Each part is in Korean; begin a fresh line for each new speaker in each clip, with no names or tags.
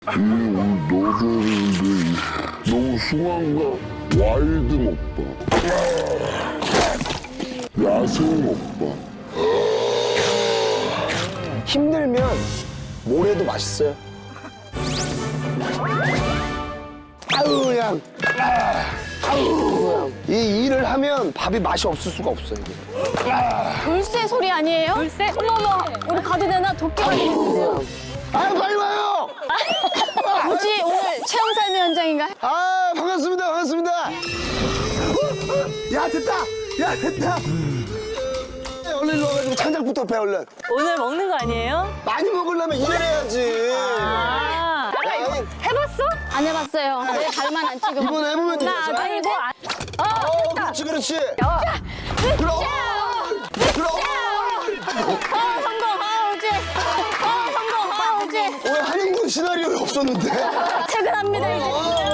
오늘 넣어줬는데 너무 숭한가? 와일드 먹방, 야생 먹방.
힘들면 뭐래도 맛있어요. 아유 그냥 아유 그냥 이 일을 하면 밥이 맛이 없을 수가 없어요. 이게.
돌쇠 소리 아니에요? 돌쇠? 어머머, 우리 가도 되나? 도끼 걸리겠어요.
아유 빨리 와요.
뭐지, 오늘 체험 삶의 현장인가?
아 반갑습니다 반갑습니다. 야 됐다 야 됐다. 얼른 일로 와가지고 찬장부터 배 얼른.
오늘 먹는 거 아니에요?
많이 먹으려면 일을 해야지.
아,
아니,
해봤어?
안 해봤어요. 내 발만 안 찍으면.
이번 해보면 되죠.
아니 뭐 안...
그렇지 그렇지.
그럼.
그럼.
성공, 오지. 성공, 오지.
왜 한영군 시나리오에 없었는데?
퇴근합니다, 이제.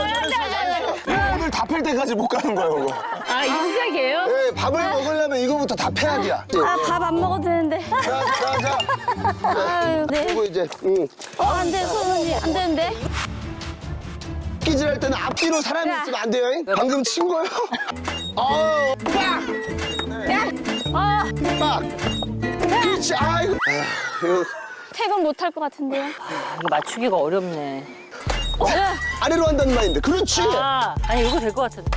오늘 다 팰 때까지 못 가는 거예요, 이거.
아, 이 시작이에요?
네, 밥을 먹으려면 이거부터 다 패야 돼.
밥 안 먹어도 되는데.
자.
아유, 네.
그리고 이제,
안 돼, 손이 안 되는데.
끼질할 때는 앞뒤로 사람이
야.
있으면 안 돼요. 방금 친 거요? 빡! 빡! 그렇지, 아이고. 이거
퇴근 못 할 것 같은데요.
이거 맞추기가 어렵네.
아래로 한다는 말인데, 그렇지.
아, 아니 이거 될 것 같은데.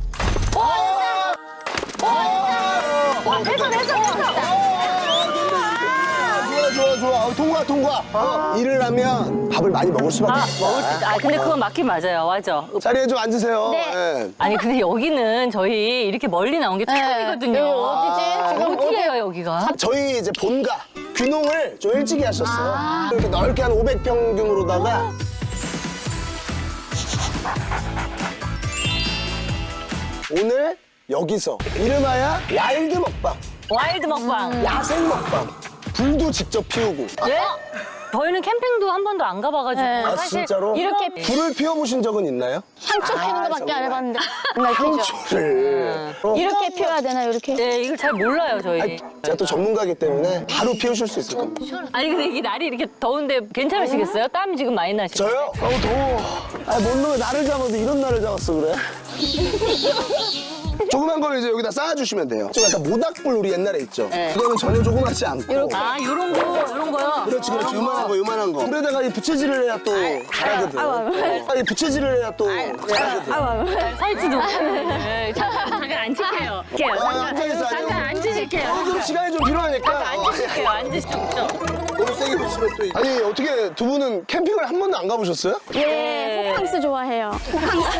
좋아. 통과. 일을 하면 밥을 많이 먹을 수밖에 없어.
먹을 수 있다. 아, 근데 그건 맞긴 맞아요. 맞아.
자리에 좀 앉으세요.
네.
예.
아니 근데 여기는 저희 이렇게 멀리 나온 게 처음이거든요.
여기 어디지? 지금
어디예요 여기가?
저희 이제 본가 귀농을 좀 일찍이 하셨어요. 이렇게 넓게 한 500평균으로다가 오늘 여기서 이름하여 와일드 먹방,
와일드 먹방.
야생 먹방, 불도 직접 피우고.
예? 저희는 캠핑도 한 번도 안 가봐가지고
네.
아
사실
진짜로?
이렇게
불을 피워보신 적은 있나요?
향초 피는 거밖에 안 해봤는데. 정말 그죠?
불을.
이렇게 피워야 되나요, 이렇게?
네 이걸 잘 몰라요 저희.
아니, 제가 또 전문가이기 때문에 바로 피우실 수 있을 겁니다.
아니 근데 이게 날이 이렇게 더운데 괜찮으시겠어요? 땀 지금 많이 나시죠?
저요? 더워. 뭔 놈의 나를 잡아도 이런 날을 잡았어 그래? 조그만 걸 이제 여기다 쌓아주시면 돼요. 좀 약간 모닥불 우리 옛날에 있죠? 이거는 전혀 조그맣지 않고.
아 요런 거요?
그렇지. 요만한 거. 물에다가 이 부채질을 해야 또 잘하거든. 이 부채질을 해야 또 잘하거든.
설치도. 네, 잠깐 앉을게요.
앉아있어.
잠깐 앉으실게요.
좀 시간이 좀 필요하니까.
앉으실게요. 앉으시죠.
너무 세게 붙이면 또. 아니, 어떻게 두 분은 캠핑을 한 번도 안 가보셨어요?
예, 호캉스 좋아해요. 호캉스.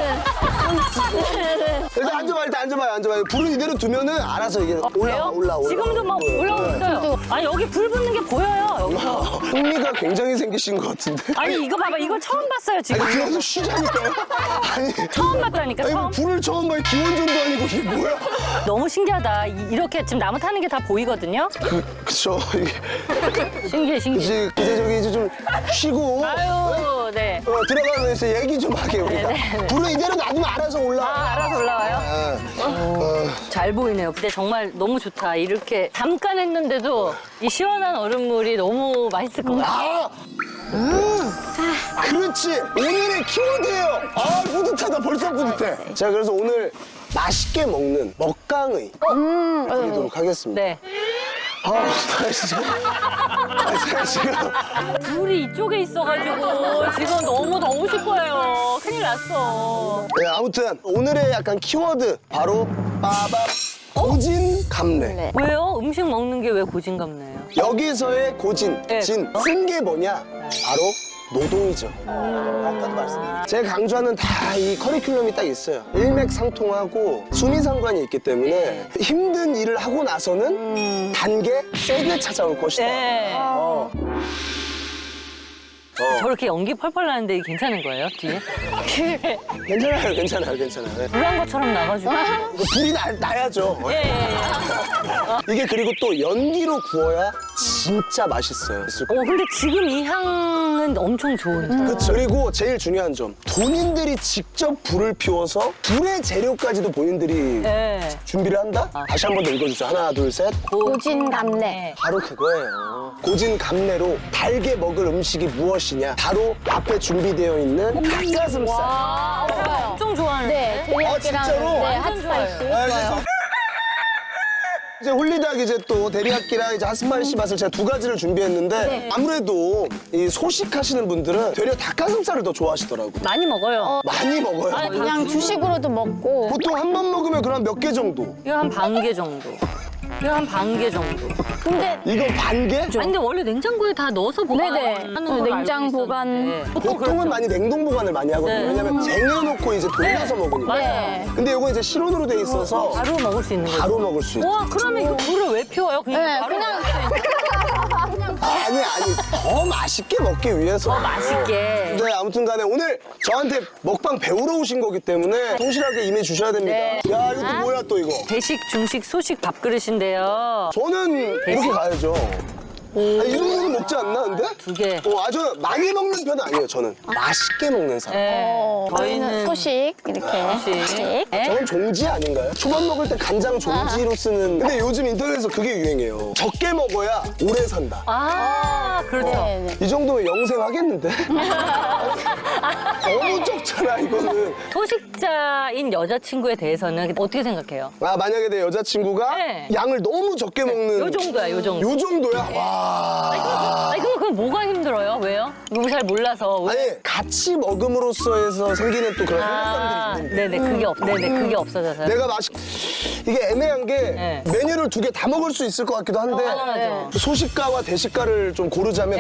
일단 앉아봐요. 불을 이대로 두면은 알아서 이게 올라와.
지금도 막 올라오고 있어요. 아니 여기 불 붙는 게 보여요. 여기서.
흥미가 굉장히 생기신 것 같은데.
아니 이거 봐봐. 이거 처음 봤어요 지금.
아니, 들어가서 쉬자니까요. 아니.
처음 봤다니까
아니,
처음.
뭐 불을 처음 봐요. 기원전도 아니고 이게 뭐야?
너무 신기하다. 이렇게 지금 나무 타는 게 다 보이거든요.
그쵸. 이게.
신기해.
이제 저기 이제 좀 쉬고.
아유 네.
들어가면서 얘기 좀 하게 우리가. 불을 이대로 놔두면 알아서 올라와.
아 알아서 올라와요? 잘 보이네요. 근데 정말 너무 좋다. 이렇게 잠깐 했는데도 이 시원한 얼음물이 너무 맛있을 것 같아요.
그렇지. 오늘의 키워드예요. 뿌듯하다. 벌써 뿌듯해. 자, 그래서 오늘 맛있게 먹는 먹강의 드리도록 하겠습니다.
네.
제가 지금
불이 이쪽에 있어가지고 지금 너무 더우실 거예요. 큰일 났어.
네, 아무튼 오늘의 약간 키워드 바로 빠밤 고진감래.
왜요? 음식 먹는 게 왜 고진감래예요?
여기서의 고진,
네.
진, 쓴 게 뭐냐? 바로 노동이죠. 아까도 말씀드렸죠. 제가 강조하는 다 이 커리큘럼이 딱 있어요. 일맥상통하고 수미상관이 있기 때문에 힘든 일을 하고 나서는 단계 세게 찾아올 것이다.
네. 저렇게 연기 펄펄 나는데 괜찮은 거예요, 뒤에?
괜찮아요. 네.
불난 것처럼 나가지고.
이거 불이 나야죠.
예.
이게 그리고 또 연기로 구워야 진짜 맛있어요.
근데 지금 이 향은 엄청 좋은데.
그렇죠. 그리고 제일 중요한 점, 본인들이 직접 불을 피워서 불의 재료까지도 본인들이
네.
준비를 한다? 다시 한 번 더 읽어주세요. 하나, 둘, 셋.
고진감래.
바로 그거예요. 고진감래로 달게 먹을 음식이 무엇이냐? 바로 앞에 준비되어 있는 닭가슴살.
좋아요.
엄청 좋아하는데.
네, 데리야끼랑
진짜로?
네,
완전
핫스파이시.
아, 이제 홀리닭 이제 또 데리야끼랑 이제 핫스파이시 맛을 제가 두 가지를 준비했는데
네.
아무래도 이 소식하시는 분들은 되려 닭가슴살을 더 좋아하시더라고요.
많이 먹어요.
많이 먹어요.
그냥 주식으로도 먹고.
보통 한 번 먹으면 그럼 몇 개 정도?
이거 한 반 개 정도. 이거 한 반 개 정도.
근데
이거 반 개?
아니, 근데 원래 냉장고에 다 넣어서
네네.
보관하는 걸
냉장
알고
보관.
있었는데.
보통은
그렇죠.
많이 냉동 보관을 많이 하거든요.
네.
왜냐면 쟁여놓고 이제 돌려서 먹으니까.
네.
근데 이거 이제 실온으로 돼 있어서
바로 먹을 수 있는 거죠.
바로 먹을 수 있어요.
와, 그러면 이거 불을 왜 피워요?
네,
바로
그냥
먹을 수 있는
아니 더 맛있게 먹기 위해서.
맛있게.
네, 아무튼 간에 오늘 저한테 먹방 배우러 오신 거기 때문에 성실하게 임해 주셔야 됩니다.
네.
야, 이것도 뭐야 또 이거.
대식, 중식, 소식 밥그릇인데요.
저는 이렇게 가야죠. 아니, 이 정도는 먹지 않나, 근데?
두 개.
저는 많이 먹는 편은 아니에요, 저는. 맛있게 먹는 사람.
네.
저희는 소식 이렇게.
소식. 네.
저건 종지 아닌가요? 초밥 먹을 때 간장 종지로 쓰는. 근데 요즘 인터넷에서 그게 유행이에요. 적게 먹어야 오래 산다.
아, 그렇죠.
네, 네.
이 정도면 영생 하겠는데? 너무 적잖아, 이거는.
소식자인 여자친구에 대해서는 어떻게 생각해요?
만약에 내 여자친구가
네.
양을 너무 적게 먹는.
요 정도야, 요 정도.
요 정도야? 와.
아니, 그럼 뭐가 힘들어요? 왜요? 이거 잘 몰라서. 왜?
아니, 같이 먹음으로써 해서 생기는 또 그런 행복감들이 있는데.
네네, 그게 없어져서.
내가 이게 애매한 게
네.
메뉴를 두 개 다 먹을 수 있을 것 같기도 한데
당연하죠.
소식가와 대식가를 좀 고르자면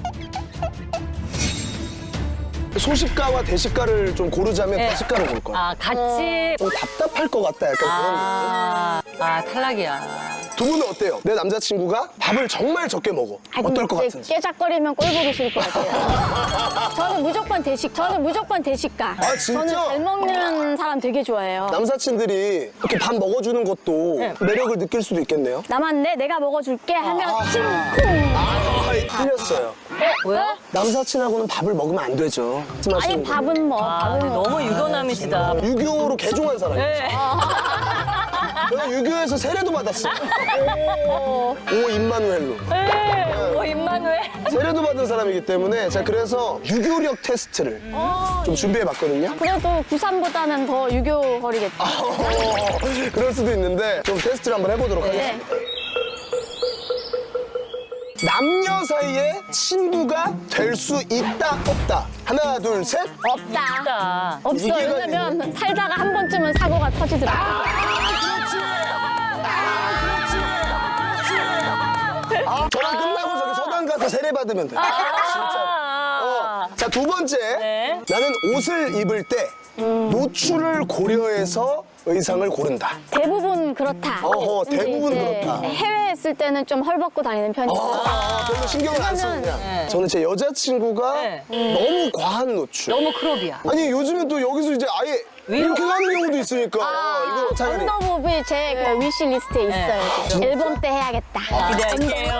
네.
대식가를 고를 거야.
아, 같이.
좀 답답할 것 같다 약간
탈락이야.
그런 느낌. 두 분은 어때요? 내 남자친구가 밥을 정말 적게 먹어. 어떨 것 같은지.
깨작거리면 꼴 보기 싫을 것 같아요. 저는 무조건 대식가.
아, 진짜?
저는 잘 먹는 사람 되게 좋아해요.
남사친들이 이렇게 밥 먹어주는 것도
네.
매력을 느낄 수도 있겠네요.
남았네, 내가 먹어줄게 하면 심쿵.
틀렸어요.
뭐야?
남사친하고는 밥을 먹으면 안 되죠.
아니 밥은 뭐, 밥은 뭐.
너무 유교남이시다.
유교로 개종한 사람이에요.
네.
저는 유교에서 세례도 받았어요. 오 임마누엘로.
임마누엘.
세례도 받은 사람이기 때문에 제가 그래서 유교력 테스트를 좀 준비해봤거든요.
그래도 부산보다는 더 유교 거리겠다.
그럴 수도 있는데 좀 테스트를 한번 해보도록
네.
하겠습니다. 남녀 사이에 친구가 될 수 있다 없다. 하나 둘 셋.
없다. 없어.
이게
왜냐면 살다가 한 번쯤은 사고가 터지더라고.
저랑 끝나고 저기 서당 가서 세례 받으면 돼. 진짜. 자, 두 번째.
네.
나는 옷을 입을 때 노출을 고려해서 의상을 고른다.
대부분 그렇다.
어허,
근데
대부분
이제
그렇다.
해외에 있을 때는 좀 헐벗고 다니는 편이고.
별로 신경을 안 쓰느냐.
네.
저는 제 여자친구가
네.
너무 과한 노출.
너무 크롭이야.
아니, 요즘은 또 여기서 이제 아예 이렇게 가는 경우도 있으니까. 이거 차라리.
언더부비 제 위시 리스트에 있어요. 지금. 앨범 때 해야겠다.
기대할게요.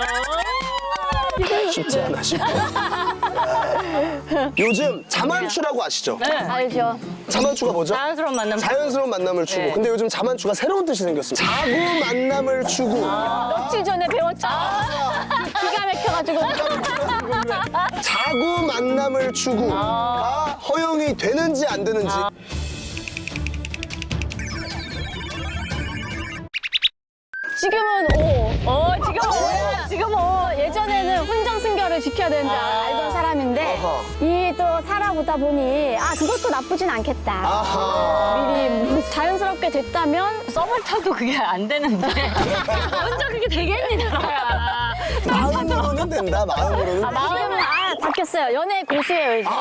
쉽지 않아, 쉽지 않아. 요즘 자만추라고 아시죠?
네.
알죠?
자만추가 뭐죠?
자연스러운 만남.
자연스러운 만남을 추구.
네.
근데 요즘 자만추가 새로운 뜻이 생겼습니다. 자구 만남을 추구.
며칠 전에 배웠죠? 기가 막혀가지고.
자구 만남을 추구가 허용이 되는지 안 되는지.
지금은
지금
예전에는 혼정순결을 지켜야 되는 줄 알던 사람인데 이 또 살아보다 보니 그것도 나쁘진 않겠다.
아하.
미리 자연스럽게 됐다면
썸을 타도 그게 안 되는데. 혼자 그게 되겠니, 나라야.
마음으로는 된다, 마음으로는.
지금은 바뀌었어요. 연애 고수예요 이제.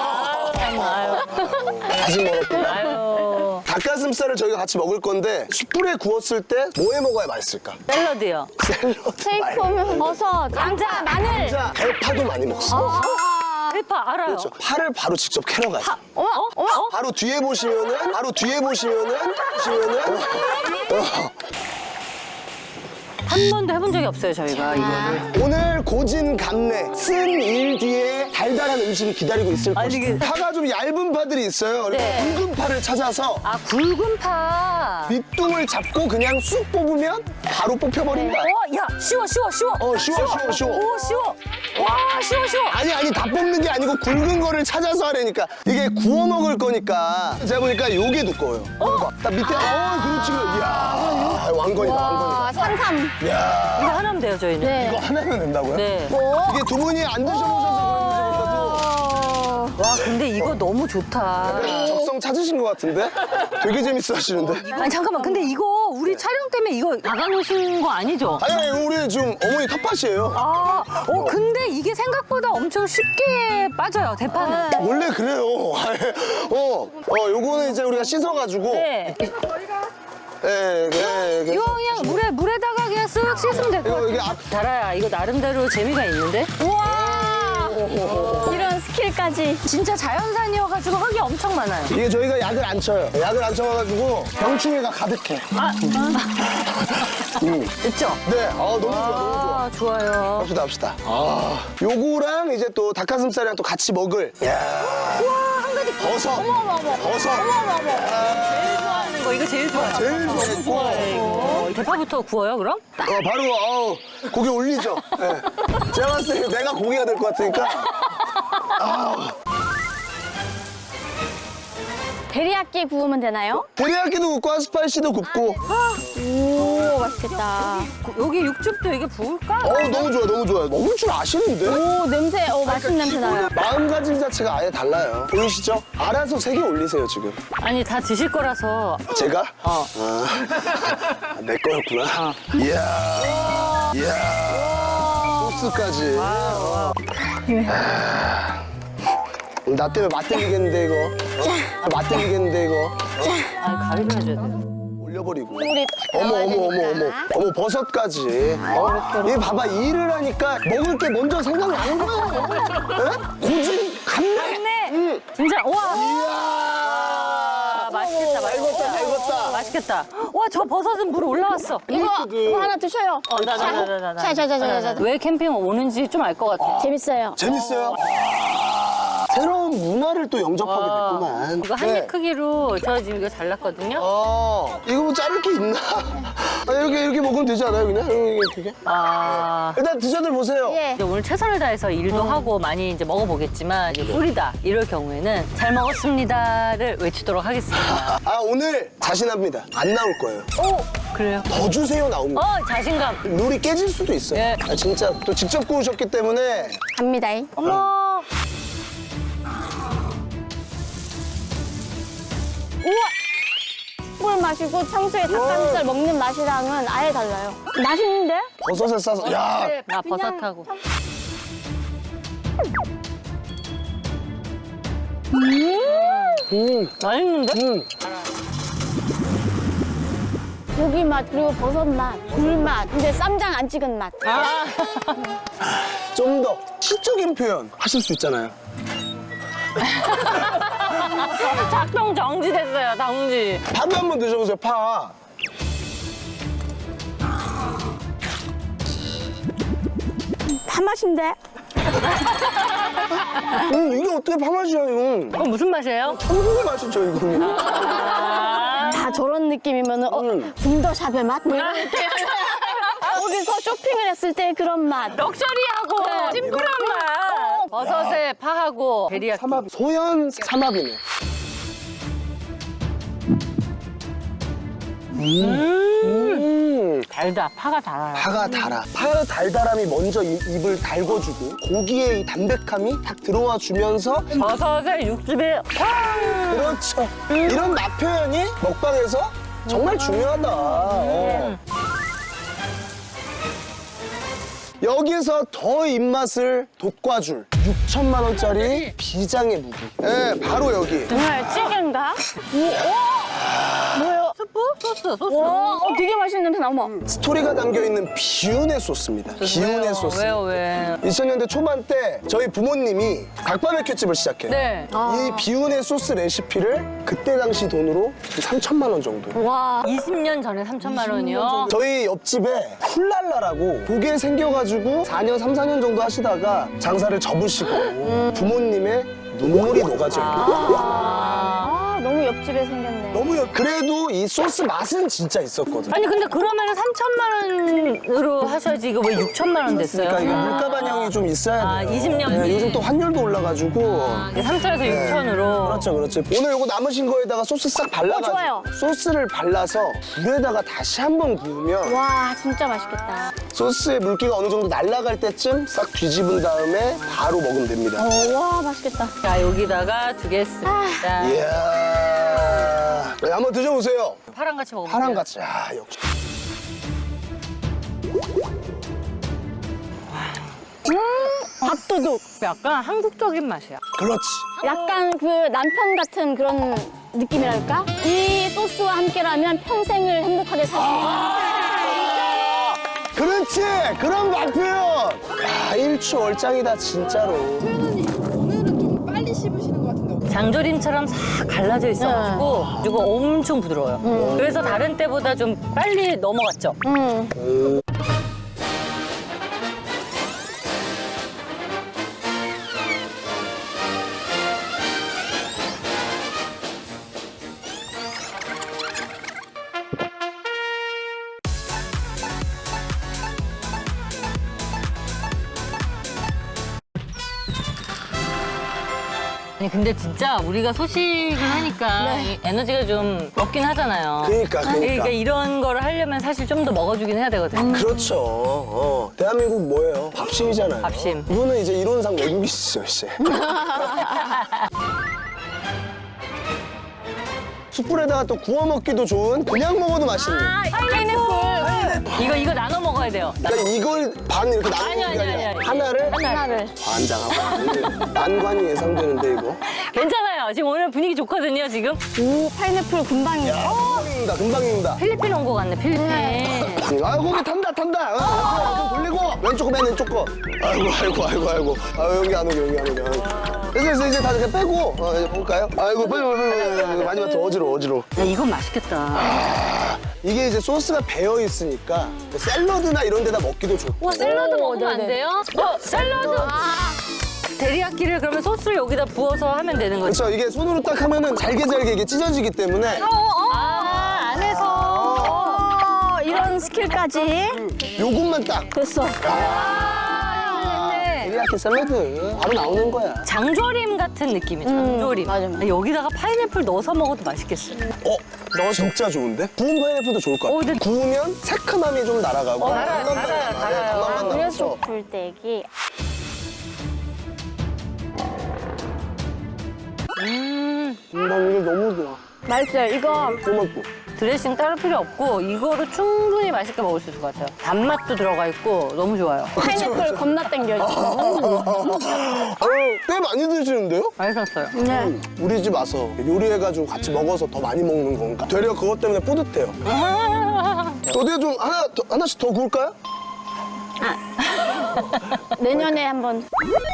아직 멀었구나.
아유.
닭가슴살을 저희가 같이 먹을 건데 숯불에 구웠을 때 뭐해 먹어야 맛있을까?
샐러드요.
샐러드
세이코면 버섯, 감자, 마늘.
자, 대파도 많이 먹습니다.
대파 알아요.
그렇죠. 파를 바로 직접 캐러 가요.
어머, 어머.
바로 뒤에 보시면은
한 번도 해본 적이 없어요, 저희가 이거를.
오늘 고진 감래 쓴 일 뒤에 달달한 음식이 기다리고 있을
아니,
것이다.
이게-
파가 좀 얇은 파들이 있어요. 그래서
네.
굵은 파를 찾아서
아, 굵은 파.
밑둥을 잡고 그냥 쑥 뽑으면 바로 뽑혀버린다.
야, 쉬워.
쉬워.
오, 쉬워. 와, 쉬워.
아니 다 뽑는 게 아니고 굵은 거를 찾아서 하려니까 이게 구워 먹을 거니까 제가 보니까 요게 두꺼워요. 봐봐. 딱 밑에 그렇지. 이야 왕건이다.
와, 산삼.
이야
이거 하나면 돼요, 저희는.
네.
이거 하나면 된다고요?
네.
뭐?
이게 두 분이 안 드셔보셔서 그런지
와, 근데 이거 너무 좋다.
모르겠어도 적성 찾으신 것 같은데? 되게 재밌어 하시는데?
아니, 잠깐만. 근데 이거 우리 촬영 때문에 이거 나가놓으신 거 아니죠?
아니 우리 지금 어머니 텃밭이에요.
근데 이게 생각보다 엄청 쉽게 빠져요, 대파는.
원래 그래요. 요거는 이제 우리가 씻어가지고.
네.
네.
이거 그냥 물에다가 그냥 쓱 씻으면 될 것 같아.
이게 앞,
달아야 이거 나름대로 재미가 있는데?
우와! 이런 스킬까지.
진짜 자연산이어가지고 흙이 엄청 많아요.
이게 저희가 약을 안 쳐요. 약을 안 쳐가지고 병충해가 가득해.
됐죠?
네, 너무 좋아.
좋아요.
합시다. 요거랑 이제 또 닭가슴살이랑 또 같이 먹을. 야,
한 가지
버섯. 버섯.
제일 좋아하는 거 이거 제일 좋아요.
제일 좋아했고.
이거 대파부터 구워요, 그럼?
바로 고기 올리죠. 네. 제가 봤을 때 내가 고기가 될 것 같으니까.
데리야끼 구우면 되나요?
데리야끼도 굽고 아스파이시도 굽고.
오, 맛있겠다.
여기 육즙도 이게 부을까?
너무 좋아. 먹을 줄 아시는데?
오, 냄새, 맛있는 냄새 나요.
마음가짐 자체가 아예 달라요. 보이시죠? 알아서 3개 올리세요, 지금.
아니, 다 드실 거라서.
제가? 내 거였구나. 이야. 소스까지. 나 때문에 맛들리겠는데, 이거. 맛들리겠는데, 이거.
아니, 가위로 해줘야 돼요.
올려버리고.
우리
어머, 버섯까지. 얘 봐봐, 일을 하니까 먹을 게 먼저 생각나는 거예요. 예? 고진 감래.
진짜, 와.
이야.
맛있겠다.
다 익었다.
맛있겠다. 와, 저 버섯은 물 올라왔어.
이거 하나 드셔요.
나.
자.
왜 캠핑 오는지 좀 알 것 같아.
재밌어요.
재밌어요? 새로운 문화를 또 영접하게 됐구만.
이거 한 입 크기로 저 지금 이거 잘랐거든요.
이거 뭐 자를 게 있나? 이렇게 먹으면 되지 않아요, 그냥? 이렇게? 일단 드셔들 보세요.
예.
이제 오늘 최선을 다해서 일도 하고 많이 이제 먹어보겠지만 이제 뿌리다 이럴 경우에는 잘 먹었습니다를 외치도록 하겠습니다.
오늘 자신합니다. 안 나올 거예요.
그래요?
더 주세요 나옵니다.
자신감.
룰이 깨질 수도 있어요.
예.
진짜 또 직접 구우셨기 때문에
갑니다.
어머.
물 마시고 평소에 닭가슴살 먹는 맛이랑은 아예 달라요. 맛있는데?
버섯을 싸서 야
나 버섯하고. 맛있는데?
고기 맛 그리고 버섯 맛, 굴 맛. 근데 쌈장 안 찍은 맛.
좀 더 시적인 표현 하실 수 있잖아요.
작동 정지됐어요, 정지.
파도 한번 드셔보세요. 파.
파 맛인데?
이게 어떻게 파 맛이야 이건?
그럼 무슨 맛이에요?
천국의 맛이죠 이거는.
다 저런 느낌이면은 붐더샵의 맛? 뭐 이런 느낌. 거기서 쇼핑을 했을 때 그런 맛.
럭셔리하고 심플한 맛. 버섯에 파하고 데리야끼.
소연 삼합이네.
달다. 파가 달아요.
파가 달아. 파 달달함이 먼저 입을 달궈주고 고기의 이 담백함이 딱 들어와 주면서
버섯에 육즙에
그렇죠. 이런 맛 표현이 먹방에서 정말 중요하다. 여기서 더 입맛을 돋궈줄 6천만 원짜리 비장의 무기. 네, 바로 여기.
정말 찌개인가? 뭐예요?
스프? 소스.
와, 되게 맛있는 냄새 나와.
스토리가 담겨있는 비운의 소스입니다. 비운의 소스.
왜요, 왜?
2000년대 초반 때 저희 부모님이 닭바베큐집을 시작해요.
네.
이 비운의 소스 레시피를 그때 당시 돈으로 3천만 원 정도.
와.
20년 전에 3천만 원이요?
저희 옆집에 훌랄라라고 그게 생겨가지고 4년, 3, 4년 정도 하시다가 장사를 접으시고 부모님의 눈물이 녹아져 있고
아, 너무 옆집에 생겼네.
너무 그래도 이 소스 맛은 진짜 있었거든.
아니, 근데 그러면 3천만 원으로 하셔야지 이거 왜 6천만 원 됐어요?
그러니까 이게 물가 반영이 좀 있어야 돼요.
아, 20년
네,
뒤에.
요즘 또 환율도 올라가지고.
3천에서 6천으로.
그렇죠, 그렇죠. 오늘 요거 남으신 거에다가 소스 싹 발라가지고
좋아요.
소스를 발라서 불에다가 다시 한번 구우면
와, 진짜 맛있겠다.
소스의 물기가 어느 정도 날아갈 때쯤 싹 뒤집은 다음에 바로 먹으면 됩니다.
와, 맛있겠다.
자, 여기다가 두겠습니다.
이야. 네, 한번 드셔보세요.
파랑 같이 먹어볼게요.
파랑 같이. 아, 역시.
밥도둑.
약간 한국적인 맛이야.
그렇지.
약간 그 남편 같은 그런 느낌이랄까? 이 소스와 함께라면 평생을 행복하게 살 수 있는.
그렇지. 그런 맛 표현. 야, 일추월장이다, 진짜로.
오늘은 좀 빨리 씹으시는 것 같은데.
장조림처럼 싹 갈라져 있어가지고 이거 엄청 부드러워요. 그래서 다른 때보다 좀 빨리 넘어갔죠. 아니 근데 진짜 우리가 소식을 하니까 이 에너지가 좀 없긴 하잖아요.
그러니까.
이런 거를 하려면 사실 좀 더 먹어주긴 해야 되거든.
그렇죠. 대한민국 뭐예요? 밥심이잖아요.
밥심.
이분은 이제 이론상 외국이시죠, 이제. 숯불에다가 또 구워 먹기도 좋은, 그냥 먹어도 맛있는.
파인애플.
이거 나눠 먹어야 돼요.
그러니까 이걸 반 이렇게 나누는 게 아니라 하나를
하나를.
반장하고 난관이 예상되는데 이거.
괜찮아요. 지금 오늘 분위기 좋거든요, 지금.
오, 파인애플 금방이네.
금방입니다, 금방입니다.
필리핀 온 거 같네, 필리핀.
아, 고기 탄다. 좀 돌리고 왼쪽 거 맨 왼쪽 거. 아이고. 아, 여기 안 오게. 그래서 이제 다 이렇게 빼고 이제 볼까요? 아이고, 빨리. 마지막 더 어지러워.
야, 이건 맛있겠다.
이게 이제 소스가 배어 있으니까 샐러드나 이런 데다 먹기도 좋고.
와, 샐러드 먹으면 안
네네.
돼요? 샐러드. 데리야끼를 그러면 소스를 여기다 부어서 하면 되는 거죠?
그렇죠. 이게 손으로 딱 하면은 잘게 이게 찢어지기 때문에
안에서.
이런 스킬까지.
요것만 딱.
됐어.
데리야끼 샐러드 바로 나오는 거야.
장조림 같은 느낌이에요, 장조림.
맞아.
여기다가 파인애플 넣어서 먹어도 맛있겠어요.
너 진짜 좋은데? 구운 파인애플도 좋을 것 같아.
근데-
구우면 새큼함이 좀 날아가고.
달아요.
단맛만
그래서
남아서.
불떼기.
이게 너무 좋아.
맛있어요. 이거
고맙고.
드레싱 따로 필요 없고 이거로 충분히 맛있게 먹을 수 있을 것 같아요. 단맛도 들어가 있고 너무 좋아요.
파인애플 겁나 땡겨요.
꽤 많이 드시는데요?
맛있었어요.
네.
우리 집 와서 요리해가지고 같이 먹어서 더 많이 먹는 건가? 되려 그것 때문에 뿌듯해요. 어디 좀 하나씩 더 구울까요?
내년에 한번.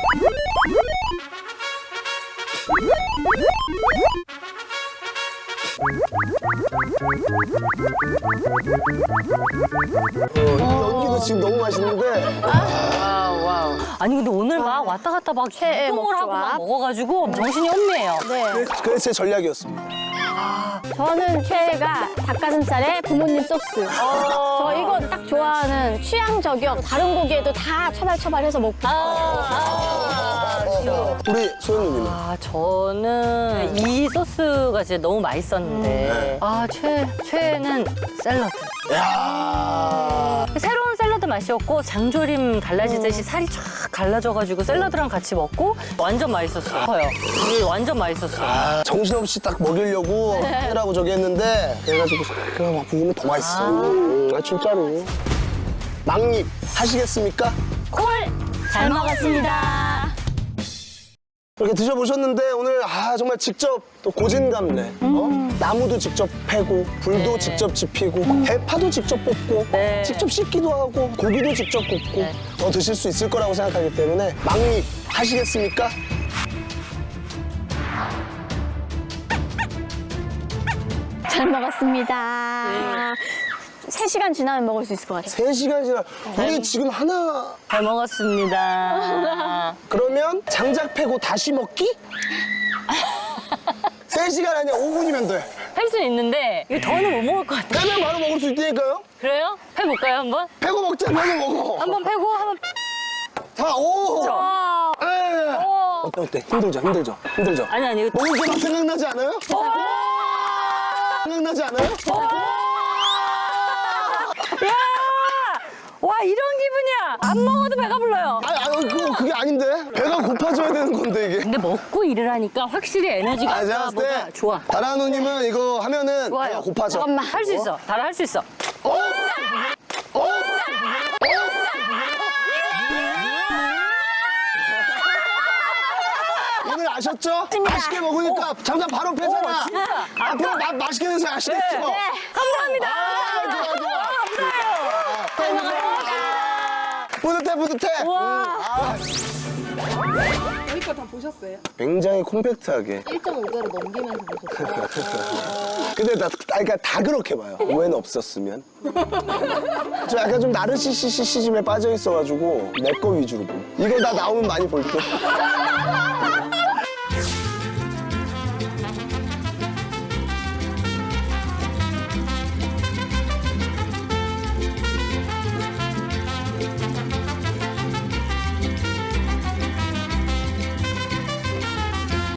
이 연기도 지금 너무 맛있는데.
와우. 아니 근데 오늘 막 왔다 갔다 막
최애
이동을 하고 막
먹조합.
먹어가지고 정신이 혼미해요.
네.
그게 제 전략이었습니다.
저는 최애가 닭가슴살에 부모님 소스. 저 이거 딱 좋아하는 취향 저격. 다른 고기에도 다 처발처발해서 먹고.
우리 소연님은?
저는 이 소스가 진짜 너무 맛있었는데 최애는 샐러드.
야.
새로운 샐러드 맛이었고 장조림 갈라지듯이 살이 쫙 갈라져가지고 샐러드랑 같이 먹고 완전 맛있었어요. 이게 완전 맛있었어요.
정신없이 딱 먹이려고 해라고 저기 했는데 그래가지고 그냥 막 부으면 더 맛있어. 진짜로. 막립 하시겠습니까?
잘 먹었습니다.
이렇게 드셔보셨는데 오늘 정말 직접 또 고진감래 나무도 직접 패고 불도 직접 지피고 대파도 직접 뽑고
네.
직접 씻기도 하고 고기도 직접 굽고
네.
더 드실 수 있을 거라고 생각하기 때문에 막립 하시겠습니까?
잘 먹었습니다. 3시간 지나면 먹을 수 있을 것 같아요.
3시간 지나 우리 지금 하나
잘 먹었습니다.
그러면 장작 패고 다시 먹기? 3시간 아니야 5분이면 돼.
할 수 있는데 이거 더는 못 먹을 것 같아.
빼면 바로 먹을 수 있다니까요?
그래요? 해볼까요 한번?
패고 먹자 패고 먹어.
한번 패고 한번.
자, 오!
와,
에. 어때? 힘들죠?
아니 이거.
먹을 게 막 생각나지 않아요? 생각나지 않아요?
야! 와 이런 기분이야. 안 먹어도 배가 불러요.
그게 아닌데? 배가 고파져야 되는 건데, 이게.
근데 먹고 일을 하니까 확실히 에너지가
아, 제가 봤을
아까보다
때.
좋아.
다라 누님은 이거 하면은
좋아요.
배가 고파져.
잠깐만.
할 수 있어. 다라 할 수 있어.
오늘 아셨죠? 맛있게 먹으니까 잠깐 바로 패잖아. 앞으로 맛있게 드세요, 아시겠죠?
네. 감사합니다.
뿌듯해.
와.
저희 거 다 보셨어요?
굉장히 콤팩트하게.
1.5대로 넘기면서 보셨어요?
근데 그러니까 다 그렇게 봐요. 오해는 없었으면. 저 약간 좀 나르시시즘에 빠져 있어가지고 내 거 위주로 보. 이거 나 나오면 많이 볼 듯.